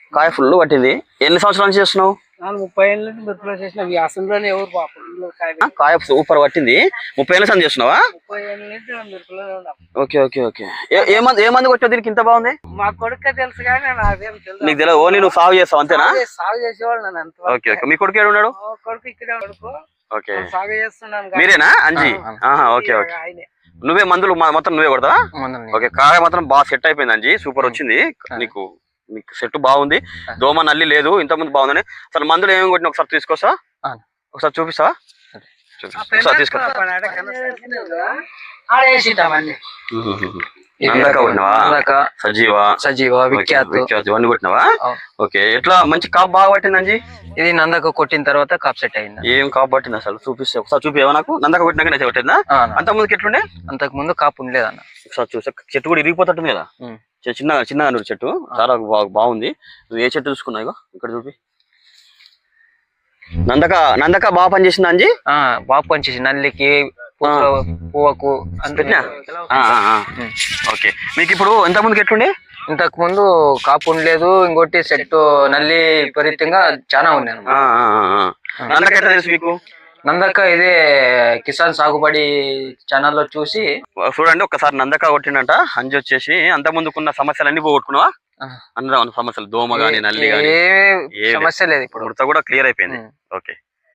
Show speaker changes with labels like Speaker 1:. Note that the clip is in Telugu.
Speaker 1: కాయ ఫుల్ పట్టింది. ఎన్ని సంవత్సరాల నుంచి చేస్తున్నావు?
Speaker 2: 30 ఏళ్ళ నుంచి మిరపలో చేసిన వ్యాసంలోనే ఎవరు పాపం
Speaker 1: కాయ సూపర్ పట్టింది. 30 ఏళ్ళ సంది చేస్తున్నావా?
Speaker 2: 30 ఏళ్ళ నుంచి మిరపలో ఉన్నాం.
Speaker 1: Okay okay okay. ఏ మంది కొట్టావు దీనికి ఇంత బాగుంది?
Speaker 2: మా కొడుకే తెలుసు కానీ నాకేం తెలుసు.
Speaker 1: నీకు తెలియదు, ఓన్లీ నువ్వు సాగు చేస్తావు అంతేనా?
Speaker 2: సాగు చేసేవాళ్ళు నన్ను అంత.
Speaker 1: Okay okay. మీ కొడుకు ఏడు ఉన్నాడు?
Speaker 2: కొడుకు ఇక్కడే కొడుకు.
Speaker 1: ఓకే,
Speaker 2: సాగు చేస్తున్నాను.
Speaker 1: మీరేనా అంజీ? Okay okay.
Speaker 2: ఆయనే.
Speaker 1: నువ్వే మందులు మొత్తం నువ్వే కొడతావా? ఓకే. కాయ మాత్రం బాగా సెట్ అయిపోయింది అంజీ, సూపర్ వచ్చింది. నీకు సెట్ బాగుంది, దోమ నల్లి లేదు, ఇంతకుముందు బాగుందని. అసలు మందులు ఏమేమి కొట్టిన ఒకసారి తీసుకోసా, ఒకసారి చూపిస్తా. ఒకసారి తీసుకో.
Speaker 3: సజీవ విఖ్యాత్
Speaker 1: ఇవన్నీ కొట్టినావా? ఓకే. ఎట్లా మంచి కాపు బాగా పట్టింది అంజీ?
Speaker 3: ఇది నందక కొట్టిన తర్వాత కాప్ సెట్ అయింది.
Speaker 1: ఏం కాపు పట్టింది అసలు చూపిస్తే ఒకసారి చూపివా నాకు? నందక కొట్టినాక నచ్చ కొట్టిందా? అంత ముందుకి ఎట్లుండే?
Speaker 3: అంతకు ముందు కాపు ఉండలేదన్న.
Speaker 1: ఒకసారి చూసా, చెట్టు కూడా ఇరిగిపోతుంది కదా, చిన్నగా నూరు చెట్టు చాలా బాగుంది. నువ్వు ఏ చెట్టు చూసుకున్నావు? ఇక్కడ చూపి. నందక బాగా పనిచేసిందా అంజీ?
Speaker 3: బాగా పనిచేసి నల్లికి పువ్వుకు
Speaker 1: ఓకే. మీకు ఇప్పుడు ఎంత ముందుకి ఎట్లుండే?
Speaker 3: ఇంతకు ముందు కాపు ఉండలేదు, ఇంకోటి సెట్ నల్లి విపరీతంగా చాలా ఉన్నాయి.
Speaker 1: నందక ఎట్లా తెలుసు మీకు?
Speaker 3: నందక ఇదే కిసాన్ సాగుబడి ఛానల్లో చూసి
Speaker 1: చూడండి. ఒకసారి నందక కొట్టిండంట అంజి వచ్చేసి. అంత ముందుకున్న సమస్యలన్నీ పోగొట్టుకున్నావా? అందరూ సమస్యలు, దోమ గానీ నల్లి గానీ
Speaker 3: సమస్య లేదు, ఇప్పుడు
Speaker 1: కూడా క్లియర్ అయిపోయింది. ఓకే.